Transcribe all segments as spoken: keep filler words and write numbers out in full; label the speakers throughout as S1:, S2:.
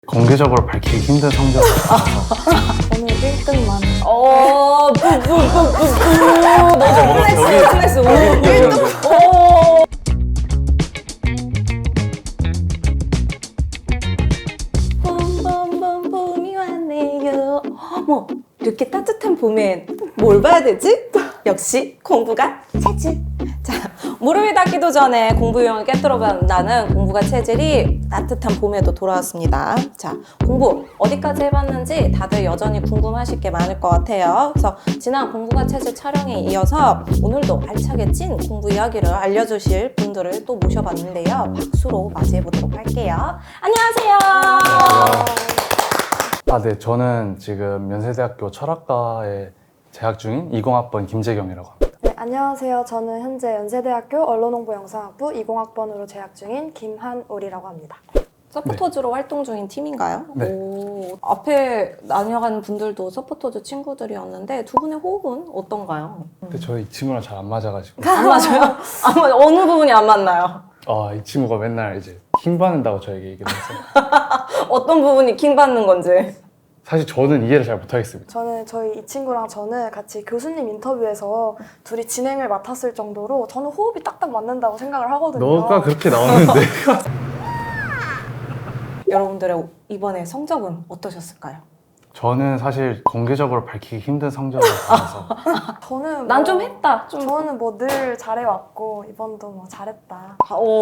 S1: 공개적으로 밝히기 힘든 성적을 받아서
S2: 저는 일 등만.
S3: 어, 뿌뿌뿌뿌뿌. 너도
S1: 뭔가
S3: 플렉스,
S1: 벽이-
S3: 플렉스. 오,
S1: 벽이
S3: 일 등.
S1: 느껴지는데.
S3: 오. 봄봄봄 봄이 왔네요. 어머, 이렇게 따뜻한 봄엔 뭘 봐야 되지? 역시 공부가 체질. 자, 무릎이 닿기도 전에 공부 유형을 깨뜨려 본다는 공부가 체질이 따뜻한 봄에도 돌아왔습니다. 자, 공부 어디까지 해봤는지 다들 여전히 궁금하실 게 많을 것 같아요. 그래서 지난 공부가 체질 촬영에 이어서 오늘도 알차게 찐 공부 이야기를 알려주실 분들을 또 모셔봤는데요. 박수로 맞이해보도록 할게요. 안녕하세요.
S1: 아, 네, 저는 지금 연세대학교 철학과에 재학 중인 이공학번 김재경이라고 합니다.
S2: 네, 안녕하세요. 저는 현재 연세대학교 언론홍보영상학부 이공학번으로 재학 중인 김한울이라고 합니다.
S3: 서포터즈로 활동 중인 팀인가요?
S1: 네.
S3: 오, 앞에 나뉘어가는 분들도 서포터즈 친구들이었는데 두 분의 호흡은 어떤가요?
S1: 근데 저희 이 친구랑 잘 안 맞아가지고
S3: 안 맞아요? 안 맞아요? 어느 부분이 안 맞나요?
S1: 아, 이 친구가 맨날 이제 힘 받는다고 저에게 얘기를 해서
S3: 어떤 부분이 킹 받는 건지.
S1: 사실 저는 이해를 잘 못하겠습니다.
S2: 저는 저희 이 친구랑 저는 같이 교수님 인터뷰에서 둘이 진행을 맡았을 정도로 저는 호흡이 딱딱 맞는다고 생각을 하거든요.
S1: 너가 그렇게 나오는데
S3: 여러분들의 이번에 성적은 어떠셨을까요?
S1: 저는 사실 공개적으로 밝히기 힘든 성적을 받아서
S2: 저는
S3: 난
S2: 뭐-
S3: 좀 했다. 좀.
S2: 저는 뭐 늘 잘해왔고 이번도 뭐 잘했다.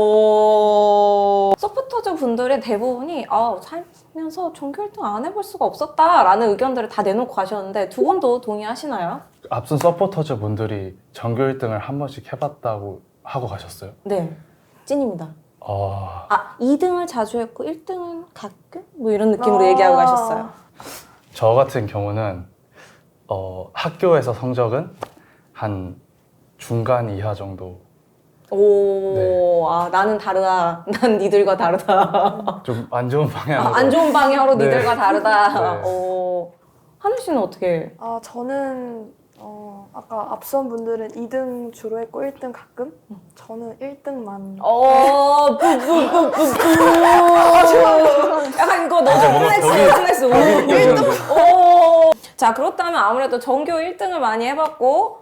S3: 오. 서포터즈 분들의 대부분이 아, 살면서 전교 일 등 안 해볼 수가 없었다라는 의견들을 다 내놓고 가셨는데 두 분도 동의하시나요?
S1: 앞선 서포터즈 분들이 전교 일 등을 한 번씩 해봤다고 하고 가셨어요.
S3: 네. 찐입니다.
S1: 아,
S3: 아, 이 등을 자주 했고 일 등은 가끔? 뭐 이런 느낌으로
S2: 아.
S3: 얘기하고 가셨어요.
S1: 저 같은 경우는 어, 학교에서 성적은 한 중간 이하 정도.
S3: 오,
S1: 네.
S3: 아, 나는 다르다. 난 니들과 다르다.
S1: 좀 안 좋은 방향으로.
S3: 아, 안 좋은 방향으로
S1: 네.
S3: 니들과 다르다.
S1: 네.
S3: 오. 하늘 씨는 어떻게?
S2: 아 저는 어, 아까 앞선 분들은 이 등 주로 했고 일 등 가끔? 저는 일 등만.
S3: 어, 뿌뿌뿌뿌뿌. 약간 이거 너무
S1: 뭔가
S3: 플렉스,
S1: 벽이-
S3: 플렉스. 오,
S1: 벽이
S3: 일 등.
S1: 느껴지는데.
S3: 오. 자, 그렇다면 아무래도 전교 일 등을 많이 해봤고,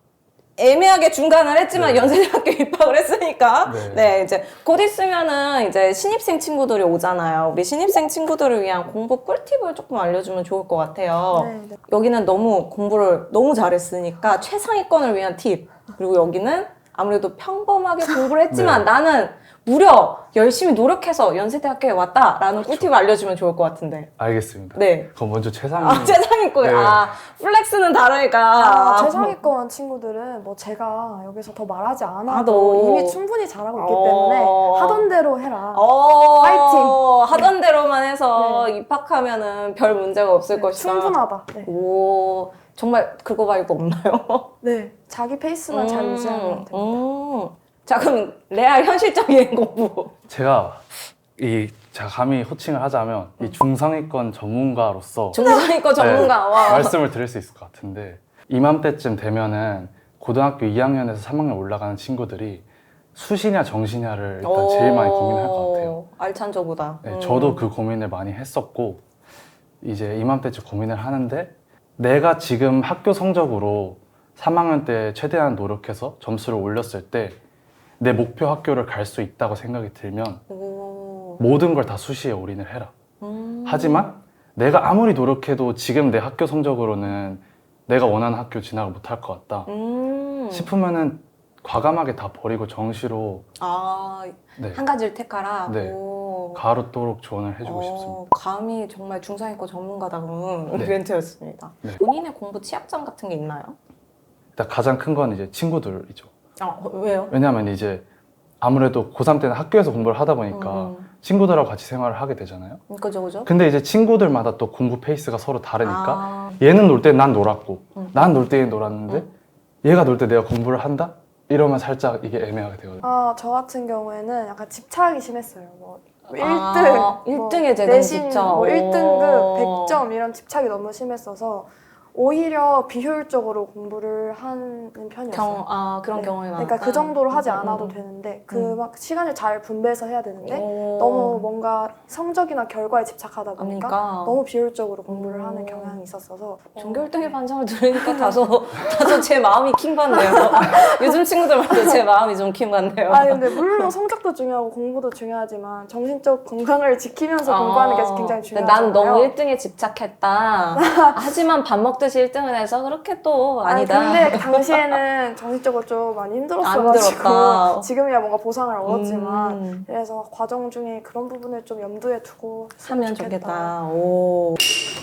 S3: 애매하게 중간을 했지만
S1: 네.
S3: 연세대학교 입학을 했으니까 네.
S1: 네.
S3: 이제 곧 있으면은 이제 신입생 친구들이 오잖아요. 우리 신입생 친구들을 위한 공부 꿀팁을 조금 알려주면 좋을 것 같아요.
S2: 네, 네.
S3: 여기는 너무 공부를 너무 잘했으니까 최상위권을 위한 팁, 그리고 여기는 아무래도 평범하게 공부를 했지만
S1: 네.
S3: 나는 무려 열심히 노력해서 연세대학교에 왔다라는 꿀팁을 알려주면 좋을 것 같은데.
S1: 알겠습니다.
S3: 네.
S1: 그럼 먼저 최상위.
S3: 아, 최상위권.
S1: 네.
S3: 아, 플렉스는 다르니까.
S2: 아, 최상위권 친구들은 뭐 제가 여기서 더 말하지 않아도
S3: 아, 너.
S2: 이미 충분히 잘하고 있기
S3: 어.
S2: 때문에 하던 대로 해라.
S3: 어,
S2: 파이팅!
S3: 하던 대로만 해서 입학하면은 별 문제가 없을
S2: 네,
S3: 것이다.
S2: 충분하다. 네.
S3: 오, 정말 그거 말고 없나요?
S2: 네, 자기 페이스만 잘 유지하면 됩니다.
S3: 음. 자, 그럼 레알 현실적인 공부.
S1: 제가 이 제가 감히 호칭을 하자면 이 중상위권 전문가로서
S3: 중상위권 전문가. 와.
S1: 네, 말씀을 드릴 수 있을 것 같은데 이맘때쯤 되면은 고등학교 이 학년에서 삼 학년 올라가는 친구들이 수시냐 정시냐를 일단 제일 많이 고민할 것 같아요.
S3: 알찬 저보다.
S1: 네,
S3: 음.
S1: 저도 그 고민을 많이 했었고 이제 이맘때쯤 고민을 하는데 내가 지금 학교 성적으로 삼 학년 때 최대한 노력해서 점수를 올렸을 때 내 목표 학교를 갈 수 있다고 생각이 들면
S3: 오.
S1: 모든 걸 다 수시에 올인을 해라.
S3: 음.
S1: 하지만 내가 아무리 노력해도 지금 내 학교 성적으로는 내가 원하는 학교 진학을 못할 것 같다
S3: 음.
S1: 싶으면은 과감하게 다 버리고 정시로
S3: 아,
S1: 네,
S3: 한 가지를 택하라.
S1: 네.
S3: 오.
S1: 가로도록 조언을 해주고
S3: 어,
S1: 싶습니다.
S3: 감히 정말 중상위권 전문가다운
S1: 네.
S3: 멘트였습니다.
S1: 네.
S3: 본인의 공부 취약점 같은 게 있나요?
S1: 일단 가장 큰 건 이제 친구들이죠.
S3: 아, 왜요?
S1: 왜냐하면 이제 아무래도 고삼 때는 학교에서 공부를 하다 보니까
S3: 음.
S1: 친구들하고 같이 생활을 하게 되잖아요.
S3: 그죠, 그죠?
S1: 근데 이제 친구들마다 또 공부 페이스가 서로 다르니까
S3: 아,
S1: 얘는 놀 때 난 놀았고
S3: 음.
S1: 난 놀 때 얘 놀았는데
S3: 음.
S1: 얘가 놀 때 내가 공부를 한다? 이러면 살짝 이게 애매하게 되거든요.
S2: 아, 저 같은 경우에는 약간 집착이 심했어요. 뭐 일 등,
S3: 아, 일 등에 대한
S2: 내신,
S3: 집착.
S2: 뭐 일 등급
S3: 오.
S2: 백 점 이런 집착이 너무 심했어서 오히려 비효율적으로 공부를 하는 편이었어요.
S3: 경, 아, 그런
S2: 네.
S3: 경험이 많았다.
S2: 그러니까 그 정도로 하지
S3: 음,
S2: 않아도
S3: 음, 음.
S2: 되는데 그
S3: 음.
S2: 막 시간을 잘 분배해서 해야 되는데
S3: 오.
S2: 너무 뭔가 성적이나 결과에 집착하다 보니까
S3: 그러니까.
S2: 너무 비효율적으로 공부를
S3: 음.
S2: 하는 경향이 있었어서
S3: 전교 일
S2: 어,
S3: 등의
S2: 네.
S3: 반장을 들으니까 다소 다소 제 마음이 킹받네요. 요즘 친구들 말도 제 마음이 좀 킹받네요.
S2: 아 근데 물론 성적도 중요하고 공부도 중요하지만 정신적 건강을 지키면서 공부하는 게 굉장히
S3: 근데
S2: 중요하잖아요.
S3: 난 너무 일 등에 집착했다. 하지만 밥 먹듯이 일 등을 해서 그렇게 또 아니다.
S2: 아니, 근데 그 당시에는 정신적으로 좀 많이
S3: 안
S2: 힘들었어가지고
S3: 힘들었다.
S2: 지금이야 뭔가 보상을 얻었지만
S3: 음,
S2: 그래서 과정 중에 그런 부분을 좀 염두에 두고
S3: 하면
S2: 했으면
S3: 좋겠다. 오.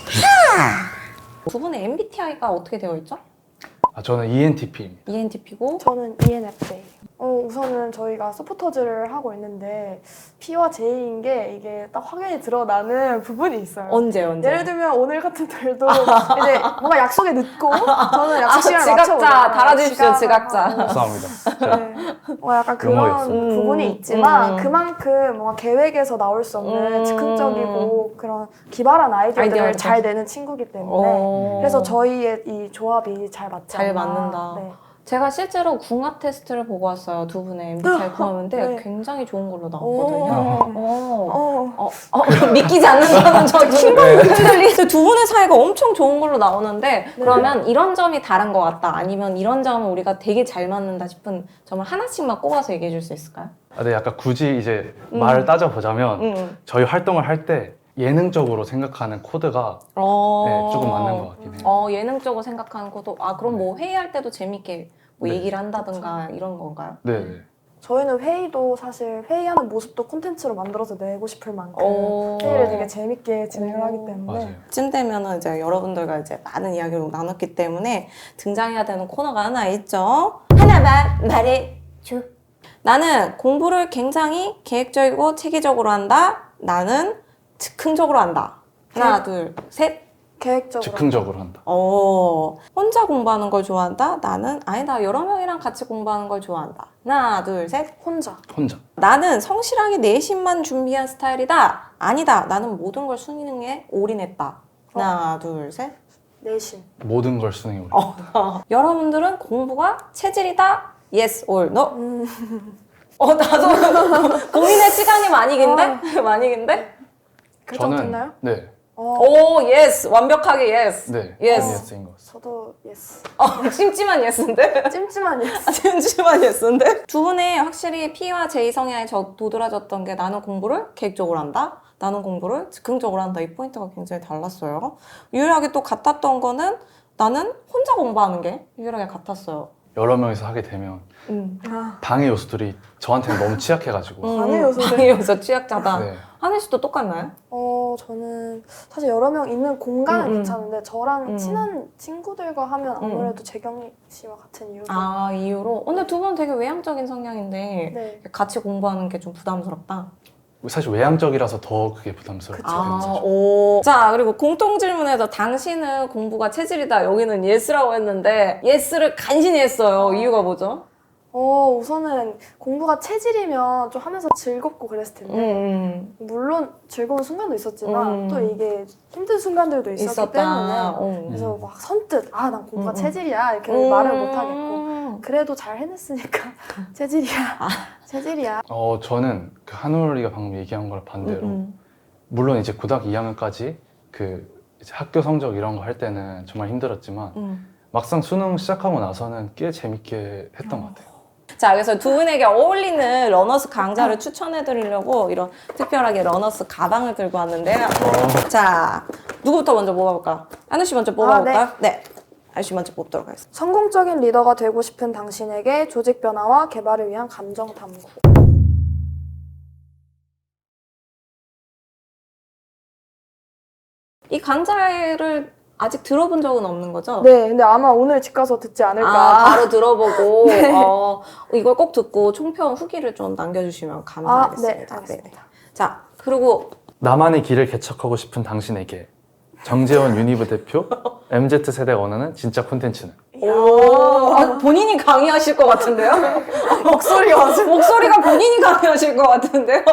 S3: 두 분의 엠비티아이가 어떻게 되어 있죠?
S1: 아, 저는 이엔티피입니다.
S3: 이엔티피고
S2: 저는 이엔에프제이. 어, 우선은 저희가 서포터즈를 하고 있는데 P와 J인 게 이게 딱 확연히 드러나는 부분이 있어요.
S3: 언제 언제?
S2: 예를 들면 오늘 같은 날도 이제 뭔가 약속에 늦고 저는 약속 시간을
S3: 지각자
S2: 맞춰오잖아요.
S3: 달아주십시오,
S2: 지각을
S3: 지각자.
S2: 하고.
S1: 죄송합니다. 제가
S2: 네. 어, 약간
S1: 용어였어요.
S2: 그런
S3: 음,
S2: 부분이 있지만
S3: 음.
S2: 그만큼 뭔가 계획에서 나올 수 없는
S3: 음.
S2: 즉흥적이고 그런 기발한 아이디어들을
S3: 아이디어들.
S2: 잘 내는 친구기 때문에
S3: 오.
S2: 그래서 저희의 이 조합이 잘 맞지
S3: 잘
S2: 않나.
S3: 맞는다.
S2: 네.
S3: 제가 실제로 궁합 테스트를 보고 왔어요. 두 분의 엠비티아이 궁합인데
S2: 네.
S3: 굉장히 좋은 걸로
S2: 오.
S3: 나왔거든요. 어.
S2: 어.
S3: 어, 어, 믿기지 않는다는 저 킹받는 흔들리. 두 분의 사이가 엄청 좋은 걸로 나오는데 그러면 이런 점이 다른 것 같다. 아니면 이런 점은 우리가 되게 잘 맞는다 싶은 점을 하나씩만 꼽아서 얘기해 줄 수 있을까요?
S1: 아, 네, 약간 굳이 이제
S3: 음.
S1: 말을 따져보자면
S3: 응.
S1: 저희 활동을 할 때 예능적으로 생각하는 코드가
S3: 어.
S1: 네, 조금 맞는 것 같긴 해요.
S3: 어, 예능적으로 생각하는 것도 아 그럼 뭐 회의할 때도 재밌게 뭐
S1: 네.
S3: 얘기를 한다든가 이런 건가요?
S1: 네, 네.
S2: 저희는 회의도 사실 회의하는 모습도 콘텐츠로 만들어서 내고 싶을 만큼
S3: 오.
S2: 회의를 되게 재밌게 진행을
S3: 오.
S2: 하기 때문에
S1: 맞아요.
S3: 쯤 되면은 이제 여러분들과 이제 많은 이야기를 나눴기 때문에 등장해야 되는 코너가 하나 있죠. 하나만 말해줘. 나는 공부를 굉장히 계획적이고 체계적으로 한다. 나는 즉흥적으로 한다. 하나, 둘, 셋.
S2: 계획적으로
S1: 즉흥적으로 한다.
S3: 어, 혼자 공부하는 걸 좋아한다. 나는 아니다. 여러 명이랑 같이 공부하는 걸 좋아한다. 하나, 둘, 셋.
S2: 혼자
S1: 혼자.
S3: 나는 성실하게 내신만 준비한 스타일이다. 아니다. 나는 모든 걸 수능에 올인했다. 하나, 둘, 셋.
S2: 내신
S1: 모든 걸 수능에 올려.
S3: 어. 여러분들은 공부가 체질이다. Yes or no.
S2: 음,
S3: 어, 나도 고민의 시간이 많이 긴데? 많이 긴데?
S2: 결정됐나요?
S1: 네,
S2: 어,
S3: 오, yes. 완벽하게 yes.
S1: 네.
S3: Yes.
S1: 예스인 것 같습니다.
S2: 저도 예스.
S3: 어, 찜찜한 예스인데?
S2: 찜찜한 예스.
S3: 찜찜한 예스인데? 두 분의 확실히 P와 J 성향이 저 도드라졌던 게 나는 공부를 계획적으로 한다. 나는 공부를 즉흥적으로 한다. 이 포인트가 굉장히 달랐어요. 유일하게 또 같았던 거는 나는 혼자 공부하는 게 유일하게 같았어요.
S1: 여러 명이서 하게 되면
S3: 음.
S2: 아,
S1: 방해 요소들이 저한테는 너무 취약해가지고.
S2: 방해 요소들.
S3: 방해 요소 취약자다.
S1: 네.
S3: 하늘 씨도 똑같나요?
S2: 어, 저는 사실 여러 명 있는 공간은
S3: 음, 음.
S2: 괜찮은데 저랑
S3: 음.
S2: 친한 친구들과 하면
S3: 음.
S2: 아무래도 재경이 씨와 같은 이유로
S3: 아, 이유로? 근데 두 분 되게 외향적인 성향인데
S2: 네.
S3: 같이 공부하는 게 좀 부담스럽다.
S1: 사실 외향적이라서 더 그게 부담스럽죠.
S2: 그쵸.
S3: 아, 오. 자, 그리고 공통 질문에서 당신은 공부가 체질이다. 여기는 예스라고 했는데 예스를 간신히 했어요. 이유가 뭐죠?
S2: 어, 우선은 공부가 체질이면 좀 하면서 즐겁고 그랬을 텐데
S3: 음,
S2: 물론 즐거운 순간도 있었지만
S3: 음.
S2: 또 이게 힘든 순간들도 있었기
S3: 있었다.
S2: 때문에
S3: 어.
S2: 그래서 막 선뜻 아, 난 공부가
S3: 음, 음.
S2: 체질이야 이렇게
S3: 음.
S2: 말을 못 하겠고 그래도 잘 해냈으니까 체질이야.
S3: 아.
S2: 체질이야.
S1: 어, 저는 그 한울이가 방금 얘기한 거랑 반대로
S3: 음,
S1: 물론 이제 고등학교 이 학년까지 그 이제 학교 성적 이런 거 할 때는 정말 힘들었지만
S3: 음.
S1: 막상 수능 시작하고 나서는 꽤 재밌게 했던 것 같아요.
S3: 자, 그래서 두 분에게 어울리는 러너스 강좌를 추천해 드리려고 이런 특별하게 러너스 가방을 들고 왔는데요. 자, 누구부터 먼저 뽑아볼까? 하늘 씨 먼저 뽑아볼까요? 네. 하늘 씨 먼저 뽑도록 하겠습니다.
S2: 성공적인 리더가 되고 싶은 당신에게 조직 변화와 개발을 위한 감정 탐구.
S3: 이 강좌를 아직 들어본 적은 없는 거죠?
S2: 네, 근데 아마 오늘 집 가서 듣지 않을까.
S3: 아, 바로 들어보고
S2: 네.
S3: 어, 이걸 꼭 듣고 총평 후기를 좀 남겨주시면 감사하겠습니다.
S2: 아, 네, 알겠습니다.
S3: 자, 그리고
S1: 나만의 길을 개척하고 싶은 당신에게 정재원 유니브 대표 엠지 세대가 원하는 진짜 콘텐츠는
S3: 오, 아, 본인이 강의하실 것 같은데요? 목소리가 목소리가 본인이 강의하실 것 같은데요?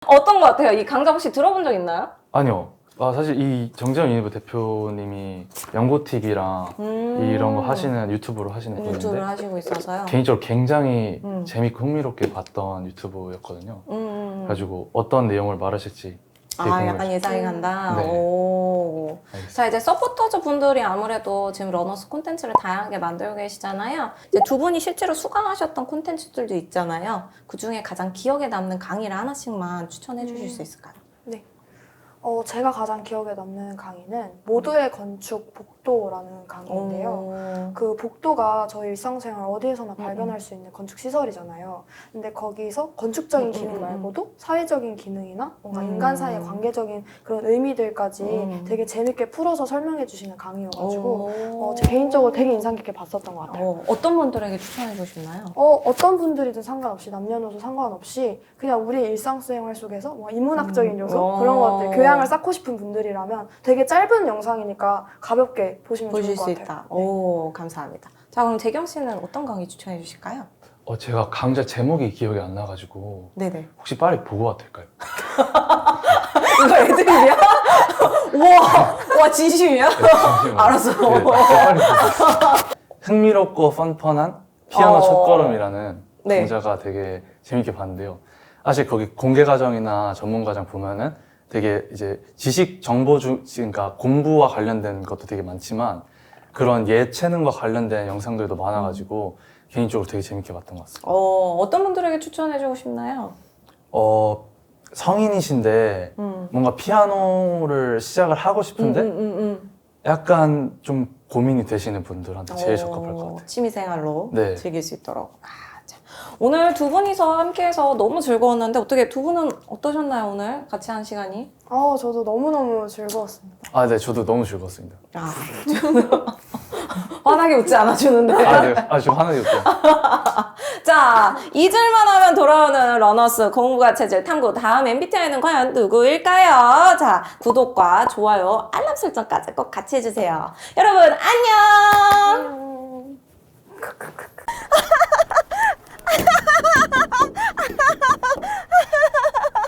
S3: 어떤 것 같아요? 이 강좌 혹시 들어본 적 있나요?
S1: 아니요. 아, 사실 이 정재현 유니브 대표님이 연고티비랑
S3: 음.
S1: 이런 거 하시는 유튜브로 하시는
S3: 유튜브를
S1: 분인데
S3: 하시고 있어서요.
S1: 개인적으로 굉장히
S3: 음.
S1: 재밌고 흥미롭게 봤던 유튜브였거든요.
S3: 음.
S1: 그래가지고 어떤 내용을 말하실지 되게
S3: 아,
S1: 궁금해요.
S3: 약간 예상이 간다.
S1: 네.
S3: 오.
S1: 알겠습니다.
S3: 자, 이제 서포터즈 분들이 아무래도 지금 러너스 콘텐츠를 다양하게 만들고 계시잖아요. 이제 두 분이 실제로 수강하셨던 콘텐츠들도 있잖아요. 그 중에 가장 기억에 남는 강의를 하나씩만 추천해 주실
S2: 음.
S3: 수 있을까요?
S2: 어, 제가 가장 기억에 남는 강의는 모두의 건축 복도라는 강의인데요.
S3: 오.
S2: 그 복도가 저희 일상생활 어디에서나
S3: 음,
S2: 발견할 수 있는 건축 시설이잖아요. 근데 거기서 건축적인
S3: 음,
S2: 기능
S3: 음, 음.
S2: 말고도 사회적인 기능이나 뭔가
S3: 음.
S2: 인간 사이의 관계적인 그런 의미들까지
S3: 음.
S2: 되게 재밌게 풀어서 설명해 주시는 강의여가지고
S3: 오.
S2: 어, 제 개인적으로 되게 인상 깊게 봤었던 것 같아요.
S3: 어, 어떤 분들에게 추천해 주시나요?
S2: 어, 어떤 분들이든 상관없이 남녀노소 상관없이 그냥 우리 일상생활 속에서 뭐 인문학적인
S3: 음.
S2: 요소
S3: 어.
S2: 그런 것들 교양을 쌓고 싶은 분들이라면 되게 짧은 영상이니까 가볍게 보시면
S3: 보실
S2: 좋을 것
S3: 수
S2: 같아요.
S3: 있다.
S2: 네.
S3: 오, 감사합니다. 자, 그럼 재경 씨는 어떤 강의 추천해 주실까요?
S1: 어, 제가 강좌 제목이 기억이 안 나가지고
S3: 네네.
S1: 혹시 빨리 보고 와도 될까요?
S3: 이거 애드립이야? 와, 와 진심이야?
S1: 네, 잠시만요.
S3: 알았어.
S1: 네, 빨리 보고 있어요. 흥미롭고 펀펀한 피아노
S3: 어.
S1: 첫걸음이라는
S3: 네.
S1: 강좌가 되게 재밌게 봤는데요. 사실 거기 공개 과정이나 전문 과정 보면은 되게 이제 지식 정보 중, 그러니까 공부와 관련된 것도 되게 많지만 그런 예체능과 관련된 영상들도 많아가지고 개인적으로 되게 재밌게 봤던 것 같습니다.
S3: 어, 어떤 분들에게 추천해 주고 싶나요?
S1: 어, 성인이신데
S3: 음.
S1: 뭔가 피아노를 시작을 하고 싶은데
S3: 음, 음, 음, 음.
S1: 약간 좀 고민이 되시는 분들한테 제일 적합할 것
S3: 어,
S1: 같아요.
S3: 취미생활로
S1: 네.
S3: 즐길 수 있도록. 아, 자. 오늘 두 분이서 함께해서 너무 즐거웠는데 어떻게 두 분은 어떠셨나요 오늘 같이 한 시간이?
S2: 어, 저도 너무너무 즐거웠습니다.
S1: 아, 네, 저도 너무 즐거웠습니다.
S3: 아, 환하게 웃지 않아주는데.
S1: 아, 네, 아, 저 하나도 없죠.
S3: 자, 잊을만 하면 돌아오는 러너스 공부가 체질 탐구 다음 엠비티아이는 과연 누구일까요? 자, 구독과 좋아요, 알람 설정까지 꼭 같이 해주세요. 여러분, 안녕!
S2: 안녕. 크크크.